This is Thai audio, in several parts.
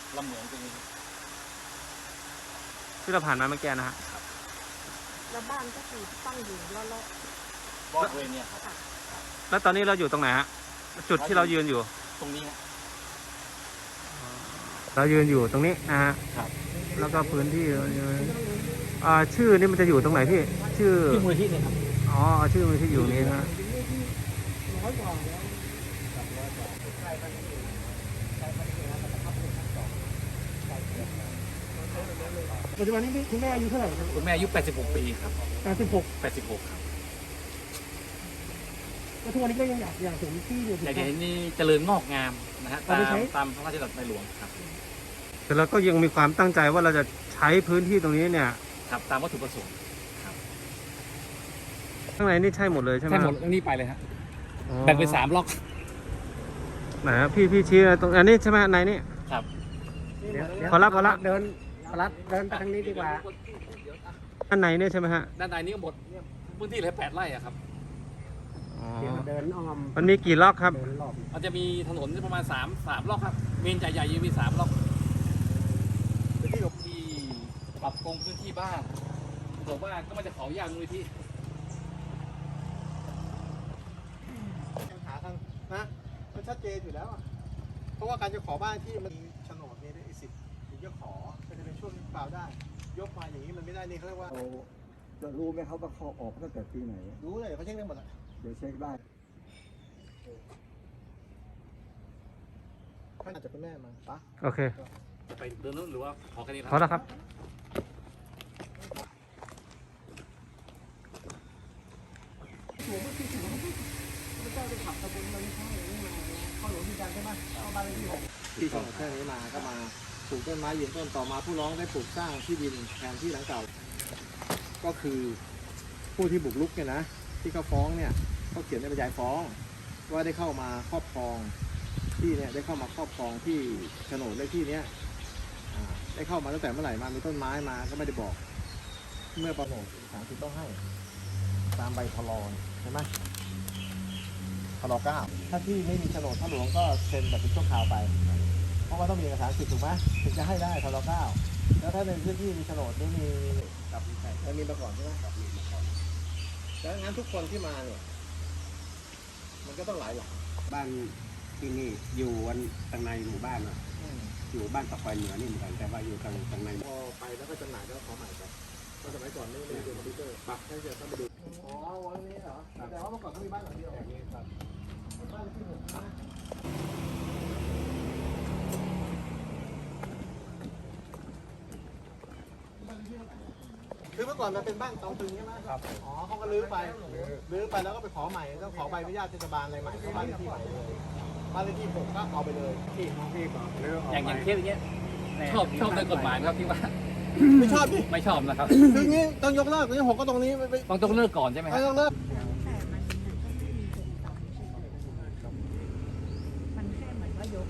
ลำเหมืองตรงนี้ที่เราผ่านมาเมื่อกี้นะฮะแล้วบ้านก็คือตั้งอยู่แล้วบริเวณเนี่ยครับแล้วตอนนี้เราอยู่ตรงไหนฮะจุดที่เรายืนอยู่ตรงนี้เรายืนอยู่ตรงนี้นะฮะครับแล้วก็พื้นที่ชื่อนี่มันจะอยู่ตรงไหนพี่ชื่อมูลที่เนี่ยครับอ๋อชื่อมันที่อยู่นี้นะปัจจุบันนี้คุณแม่อายุเท่าไหร่ครับคุณแม่อายุ86 ปีครับ86ครับแล้วทุกวันนี้ก็ยังอยากเห็นที่อยู่อยากเห็นนี่เจริญงอกงามนะฮะตามพระราชดำริในหลวงครับแต่เราก็ยังมีความตั้งใจว่าเราจะใช้พื้นที่ตรงนี้เนี่ยครับตามวัตถุประสงค์ข้างในนี่ใช่หมดเลยใช่ไหมใช่หมดนี่ไปเลยฮะแบ่งเป็น3 ล็อกไหนครับพี่ชี้ตรงอันนี้ใช่ไหมในนี่ครับพอละเดินไปทางนี้ดีกว่าด้านในเนี่ยใช่ไหมฮะด้านในนี้ก็หมดพื้นที่เลย8 ไร่อะครับเดินอ้อมมันมีกี่ล็อกครับมันจะมีถนนประมาณ3 ล็อกครับเมนใหญ่ๆยังมี3 ล็อกเป็นที่ปรับปรุงพื้นที่บ้านบอกว่าก็มันจะขอยากมูลที่หาทางนะมันชัดเจนอยู่แล้วเพราะว่าการจะขอบ้านที่มันโฉนดนี่ได้สิทธิ์ถึงจะขอจะเป็นช่วงเปล่าได้ยกมาอย่างนี้มันไม่ได้นี่เขาเรียกว่าจะรู้ไหมเขาว่าเขาออกตั้งแต่ปีไหนรู้เลยเขาเช็คได้หมดอ่ะเดี๋ยวเช็คได้ท่านอาจจะเป็นแม่มาปะโอเคไปเดินนู้นหรือว่าขอแค่นี้พอแล้วครับที่โฉนดแค่นี้มาก็มาปลูกต้นไม้ยืนต้นต่อมาผู้ร้องได้ปลูกสร้างที่ดินแทนที่หลังเก่าก็คือผู้ที่บุกรุกเนี่ยนะที่เขาฟ้องเนี่ยเขาเขียนในบรรยายฟ้องว่าได้เข้ามาครอบครองที่เนี่ยได้เข้ามาครอบครองที่โฉนดเลขที่เนี้ยได้เข้ามาตั้งแต่เมื่อไหร่มามีต้นไม้มาก็ไม่ได้บอกเมื่อประโยชน์ศาลคือต้องให้ตามใบพลใช่ไหมพล9ถ้าที่ไม่มีโฉนดพระหลวงก็เซ็นแบบเป็นชั่วคราวไปเพราะว่าต้องมีเอกสารสิทธิ์ถูกไหมถึงจะให้ได้พล9แล้วถ้าในพื้นที่มีโฉนดนี่มีกับมีมาก่อนใช่ไหมกับมีมาก่อนแล้วงั้นทุกคนที่มาเนี่ยมันก็ต้องหลายหลังบ้านที่นี่อยู่วันทางในหมู่บ้านอยู่บ้านตะไคร้เหนือนี่เหมือนกันแต่ว่าอยู่ทางในพอไปแล้วก็จำหน่ายแล้วขอใหม่ไปตอนสมัยก่อนไม่ได้ดูคอมพิวเตอร์ปักให้เดี๋ยวต้องไปดูอ๋อวันนี้เหรอแต่ว่าเมื่อก่อนเขามีบ้านหลังเดียวอย่างนี้ครับบ้านที่6นะคือเมื่อก่อนมันเป็นบ้านตองตึงใช่ไหมครับอ๋อเขาก็ลื้อไปแล้วก็ไปขอใหม่ต้องขอใบอนุญาตเทศบาลอะไรใหม่เข้าบ้านเลขที่ใหม่เลยบ้านเลขที่6ก็เอาไปเลยที่ก่อนอย่างเคสอย่างเงี้ยชอบในกฎหมายครับที่ว่าไม่ชอบดิไม่ชอบนะครับคืองี้ต้องยกเลิกนี่6ก็ตรงนี้ต้องเลิกก่อนใช่ไหมครับต้องเลิกมันแค่เหมือนว่ายก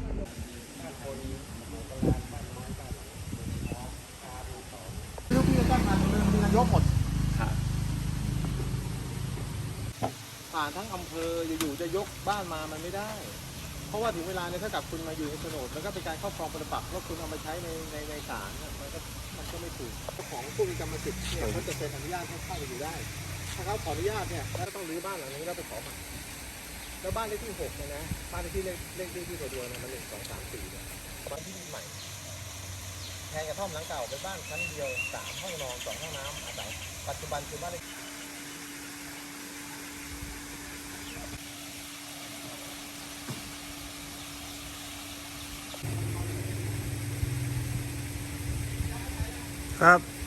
ลูกพี่จะตั้งมามีนายกหมดผ่านทั้งอำเภออยู่ๆจะยกบ้านมามันไม่ได้เพราะว่าถึงเวลาเนี่ยถ้ากับคุณมาอยู่ในโฉนดมันก็เป็นการครอบครองปรปักษ์แล้วคุณเอามาใช้ในศาลมันก็ไม่ถูกเจ้าของผู้มีกรรมสิทธิ์เนี่ยเขาจะเซ็นอนุญาตให้เข้าไปอยู่ได้ถ้าเขาขออนุญาตเนี่ยแล้วต้องรื้อบ้านหลังนี้แล้วไปขอใหม่แล้วบ้านเลขที่6เนี่ยนะบ้านเลขที่เลขที่ตัวเดียวเนี่ยมัน1 2 3 4เนี่ยบ้านที่ใหม่แทนกระท่อมหลังเก่าเป็นบ้านชั้นเดียว3 ห้องนอน2 ห้องน้ำอาศัยปัจจุบันคือบ้านเลขครับ